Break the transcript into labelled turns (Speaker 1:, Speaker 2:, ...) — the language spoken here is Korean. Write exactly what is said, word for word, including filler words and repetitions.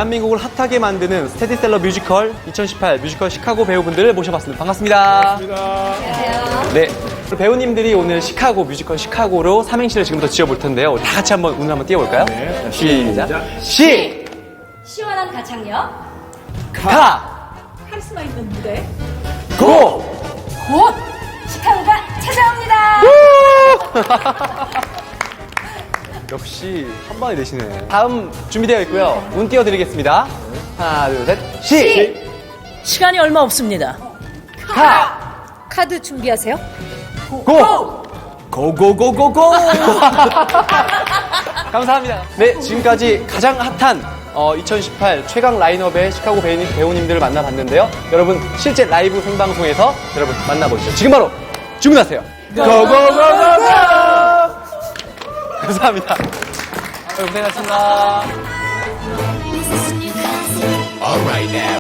Speaker 1: 대한민국을 핫하게 만드는 스테디셀러 뮤지컬 이천십팔 뮤지컬 시카고 배우분들을 모셔봤습니다. 반갑습니다.
Speaker 2: 안녕하세요.
Speaker 1: 네, 배우님들이 오늘 시카고 뮤지컬 시카고로 삼행시를 지금부터 지어볼 텐데요. 우리 다 같이 한번 운을 한번 띄워볼까요?
Speaker 3: 네.
Speaker 1: 시작. 시,
Speaker 2: 시원한 가창력,
Speaker 1: 가,
Speaker 2: 카리스마 있는 무대,
Speaker 1: 고.
Speaker 2: 곧 시카고가 찾아옵니다.
Speaker 1: 역시 한 번에 내시네. 다음 준비되어 있고요. 운 띄워드리겠습니다. 하나, 둘, 셋. 시,
Speaker 4: 시간이 얼마 없습니다.
Speaker 1: 가,
Speaker 2: 카드 준비하세요.
Speaker 1: 고. 고고고고고. 감사합니다. 네, 지금까지 가장 핫한 어, 이천십팔 최강 라인업의 시카고 배우님, 배우님들을 만나봤는데요. 여러분 실제 라이브 생방송에서 여러분 만나보시죠. 지금 바로 주문하세요. 고고고고고. 감사합니다. 고생하셨습니다.